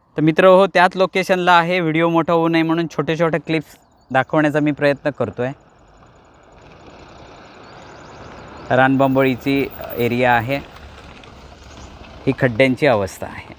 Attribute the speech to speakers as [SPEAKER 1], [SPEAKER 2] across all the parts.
[SPEAKER 1] तर मित्र हो, त्याच लोकेशनला आहे. व्हिडिओ मोठा होऊ नये म्हणून छोटे छोटे क्लिप्स दाखवण्याचा मी प्रयत्न करतो आहे. रानबंबळीची एरिया आहे. ही खड्ड्यांची अवस्था आहे.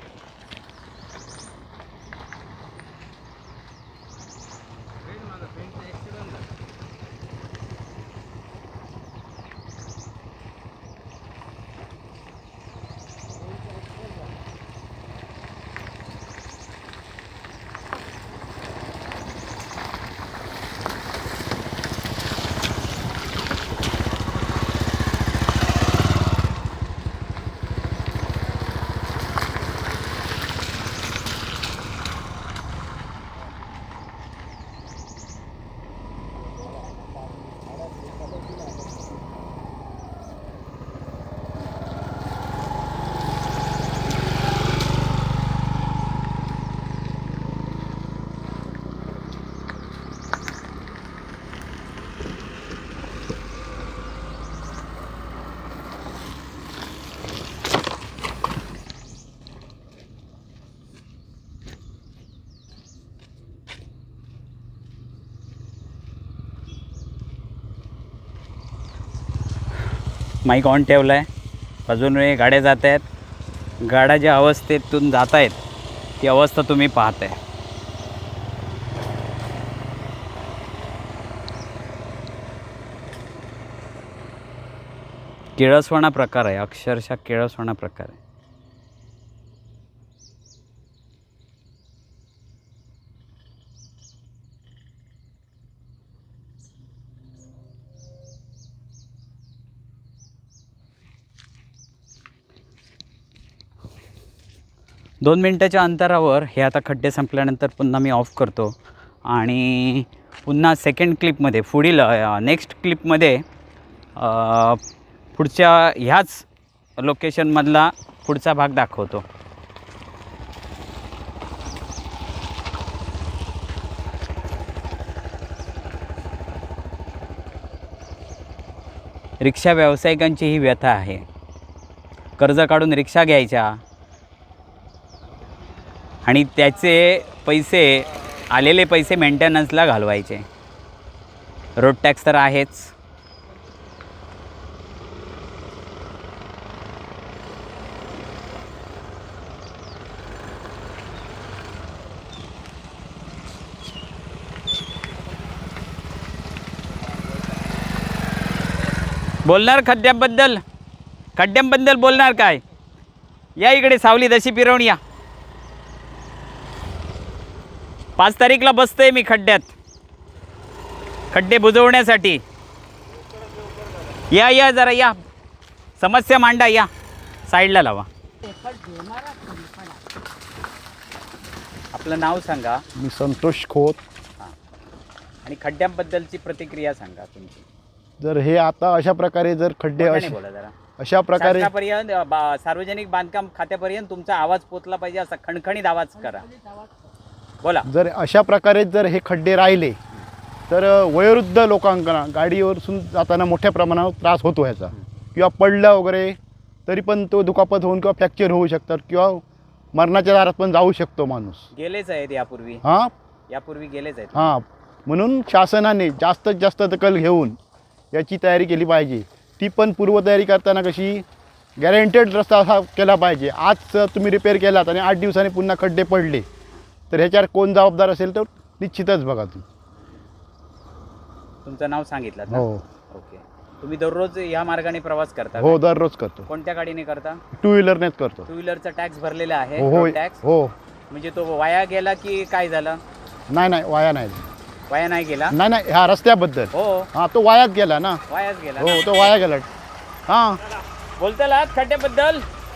[SPEAKER 1] माईक ऑन ठेवला आहे. बाजूने गाड्या जात आहेत. गाड्या ज्या अवस्थेतून जात आहेत ती अवस्था तुम्ही पाहताय. किळसवाणा प्रकार आहे, अक्षरशः किळसवाणा प्रकार आहे. दोन मिनटाच्या अंतरावर हे आता खड्डे संपल्यानंतर पुन्हा मी ऑफ करतो आणि पुन्हा सेकंड क्लिपमध्ये पुढील नेक्स्ट क्लिपमध्ये पुढच्या ह्याच लोकेशनमधला पुढचा भाग दाखवतो. रिक्षा व्यावसायिकांची ही व्यथा आहे. कर्ज काढून रिक्षा घ्यायच्या आणि त्याचे पैसे, आलेले पैसे मेंटेनन्सला घालवायचे. रोड टॅक्स तर आहेच. बोलणार खड्ड्यांबद्दल बोलणार काय? या इकडे सावली दशी फिरवून या. 5 तारीखला बसतोय मी खड्ड्यात, खड्डे बुजवण्यासाठी. या जरा या, समस्या मांडा. या साईडला लावा. आपलं नाव सांगा.
[SPEAKER 2] मी संतोष खोत.
[SPEAKER 1] आणि खड्ड्यांबद्दलची प्रतिक्रिया सांगा तुमची.
[SPEAKER 2] जर हे आता अशा प्रकारे जर खड्डे
[SPEAKER 1] बोला जरा.
[SPEAKER 2] अशा प्रकारे
[SPEAKER 1] शासनापर्यंत, सार्वजनिक बांधकाम खात्यापर्यंत तुमचा आवाज पोचला पाहिजे, असा खणखणीत आवाज करा. बोला.
[SPEAKER 2] जर अशा प्रकारे जर हे खड्डे राहिले तर वयोवृद्ध लोकांना गाडीवरून जाताना मोठ्या प्रमाणावर त्रास होतो ह्याचा. किंवा पडला वगैरे तरी पण तो दुखापत होऊन किंवा फ्रॅक्चर होऊ शकतात किंवा मरणाच्या दारात पण जाऊ शकतो माणूस.
[SPEAKER 1] गेलेच आहेत यापूर्वी. यापूर्वी गेलेच आहेत.
[SPEAKER 2] म्हणून शासनाने जास्तीत जास्त दखल घेऊन याची तयारी केली पाहिजे. ती पण पूर्वतयारी करताना कशी गॅरंटेड रस्ता असा केला पाहिजे. आज तुम्ही रिपेअर केलात आणि 8 दिवसांनी पुन्हा खड्डे पडले तर ह्याच्यावर कोण जबाबदार असेल तर निश्चितच बघा तुम्ही.
[SPEAKER 1] तुमचं नाव सांगितलं.
[SPEAKER 2] हो.
[SPEAKER 1] ओके. तुम्ही दररोज या मार्गाने प्रवास करता?
[SPEAKER 2] हो, दररोज करतो.
[SPEAKER 1] कोणत्या गाडीने करता?
[SPEAKER 2] 2 व्हीलरनेच करतो.
[SPEAKER 1] 2 व्हीलरचा टॅक्स भरलेला आहे?
[SPEAKER 2] हो
[SPEAKER 1] टॅक्स.
[SPEAKER 2] हो.
[SPEAKER 1] म्हणजे तो वाया गेला की काय झालं?
[SPEAKER 2] नाही, वाया नाही.
[SPEAKER 1] वाया नाही गेला?
[SPEAKER 2] नाही, ह्या रस्त्याबद्दल.
[SPEAKER 1] हो.
[SPEAKER 2] तो वायाच गेला ना.
[SPEAKER 1] वायाच गेला.
[SPEAKER 2] हो, तो वाया गेला.
[SPEAKER 1] बोलताल खड्ड्याबद्दल.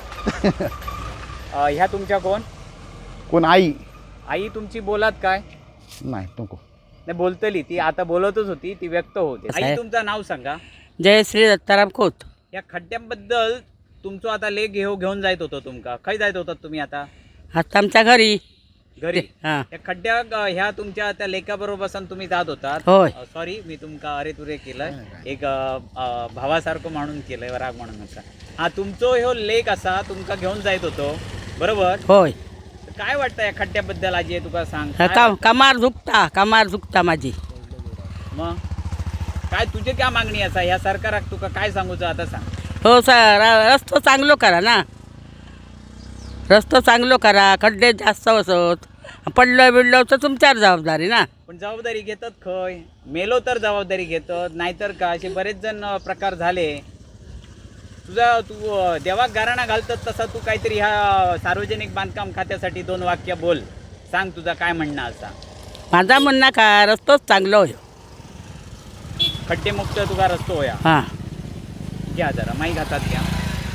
[SPEAKER 1] ह्या तुमच्या
[SPEAKER 2] कोण? आई
[SPEAKER 1] तुमची बोलात काय?
[SPEAKER 2] नाही, नको.
[SPEAKER 1] नाही, बोलतली ती, आता बोलतच होती ती, व्यक्त होते. आई, तुमचं नाव सांगा.
[SPEAKER 3] जयश्री दत्ताराम खोत.
[SPEAKER 1] या खड्ड्यांबद्दल तुमचं आता लेख घेऊन जायत होतं तुमका. खय जायत होतात तुम्ही आता?
[SPEAKER 3] आमच्या घरी.
[SPEAKER 1] या खड्ड्या ह्या तुमच्या त्या लेखाबरोबर बसून तुम्ही जात होतात.
[SPEAKER 3] होय.
[SPEAKER 1] सॉरी, मी तुमका अरे तुरे केलंय. एक भावासारखं म्हणून केलंय, राग म्हणून नका. तुमचं ह्यो लेख असा तुमका घेऊन जायत होतो, बरोबर?
[SPEAKER 3] होय.
[SPEAKER 1] काय वाटतं या खड्ड्याबद्दल आजी तुका सांग काय
[SPEAKER 3] कमार झुकता माझी.
[SPEAKER 1] मग काय तुझे काय मागणी असा ह्या सरकाराक तुका काय सांगूचं आता सांग.
[SPEAKER 3] हो सर, रस्तो चांगलो करा ना, रस्तो चांगलो करा. खड्डे जास्त असत, पडलो बिडलो तर तुमच्यावर जबाबदारी ना.
[SPEAKER 1] पण जबाबदारी घेतात खय, मेलो तर जबाबदारी घेतात, नाहीतर का असे बरेच जण प्रकार झाले. तू देवाक गाराणा घालतात तसा तू काहीतरी ह्या सार्वजनिक बांधकाम खात्यासाठी 2 वाक्य बोल, सांग तुझा काय म्हणणं असा.
[SPEAKER 3] माझा म्हणणं का रस्तोच चांगलो होयो.
[SPEAKER 1] खड्डेमुक्त तुका रस्तो होया.
[SPEAKER 3] हां,
[SPEAKER 1] घ्या जरा माहीत हातात घ्या.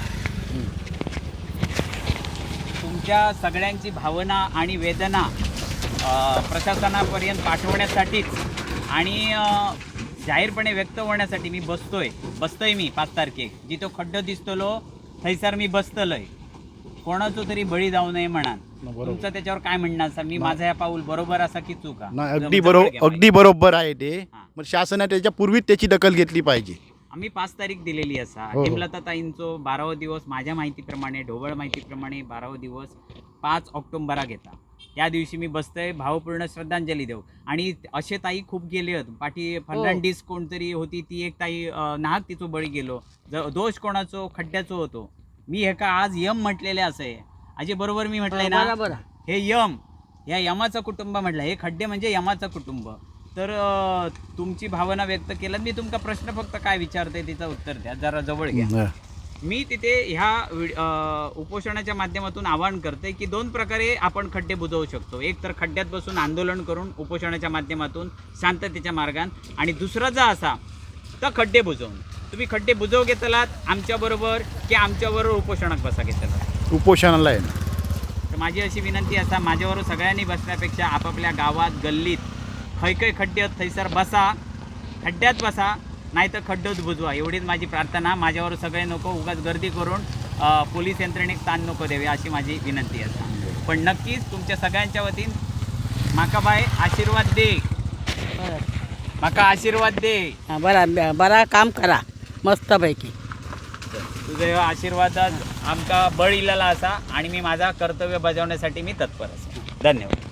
[SPEAKER 1] तुमच्या सगळ्यांची भावना आणि वेदना प्रशासनापर्यंत पाठवण्यासाठीच आणि जाहीरपणे व्यक्त होण्यासाठी मी बसतोय मी 5 तारखेक जिथं खड्डो दिसतलो थैसर मी बसतलोय. कोणाचो तरी बळी जाऊ नये म्हणान. तुमचं त्याच्यावर काय म्हणणं असा, मी माझा या पाऊल बरोबर असा की चुका?
[SPEAKER 2] नाही, अगदी बरोबर आहे ते. मग शासनाने त्याच्या पूर्वीच त्याची दखल घेतली पाहिजे.
[SPEAKER 1] आम्ही 5 तारीख दिलेली असा.
[SPEAKER 2] हो.
[SPEAKER 1] हेमलताताईंचो 12वा दिवस माझ्या माहितीप्रमाणे, ढोबळ माहितीप्रमाणे 12वा दिवस 5 ऑक्टोबराक येता. त्या दिवशी मी बसतोय भावपूर्ण श्रद्धांजली देऊ. आणि असे ताई खूप गेले आहेत. पाठी फर्नांडीस कोणतरी होती, ती एक ताई नाहक तिचो बळी गेलो. दोष कोणाचो? खड्ड्याचो होतो. मी हे का आज यम म्हटलेले असं आहे अजे बरोबर मी म्हटलंय ना.
[SPEAKER 3] बरोबर.
[SPEAKER 1] हे यम, या यमाचं कुटुंब म्हटलं, हे खड्डे म्हणजे यमाचं कुटुंब. तर तुमची भावना व्यक्त केलं. मी तुमचा प्रश्न फक्त काय विचारते तिचं उत्तर द्या, जरा जवळ घ्या. मी तिथे ह्या उपोषणाच्या माध्यमातून आवाहन करते की 2 प्रकारे आपण खड्डे बुजवू शकतो. एक तर खड्ड्यात बसून आंदोलन करून उपोषणाच्या माध्यमातून शांततेच्या मार्गान, आणि दुसरा जा असा तर खड्डे बुजवून. तुम्ही खड्डे बुजव घेतलात आमच्याबरोबर की आमच्याबरोबर उपोषणात बसा घेतलात?
[SPEAKER 2] उपोषणाला आहे ना.
[SPEAKER 1] तर माझी अशी विनंती असा, माझ्याबरोबर सगळ्यांनी बसण्यापेक्षा आपापल्या गावात गल्लीत खै खड्डे आहेत थैसर बसा, खड्ड्यात बसा, नाही तर खड्डोच बुजवा. एवढीच माझी प्रार्थना. माझ्यावर सगळे नको उगाच गर्दी करून पोलीस यंत्रणेक ताण नको द्यावे अशी माझी विनंती आहे. पण नक्कीच तुमच्या सगळ्यांच्या वतीन माका बाय आशीर्वाद दे, माका आशीर्वाद दे.
[SPEAKER 3] बरा काम करा मस्तपैकी.
[SPEAKER 1] तुझे आशीर्वादात आमका बळ इलेला असा आणि मी माझा कर्तव्य बजावण्यासाठी मी तत्पर असा. धन्यवाद.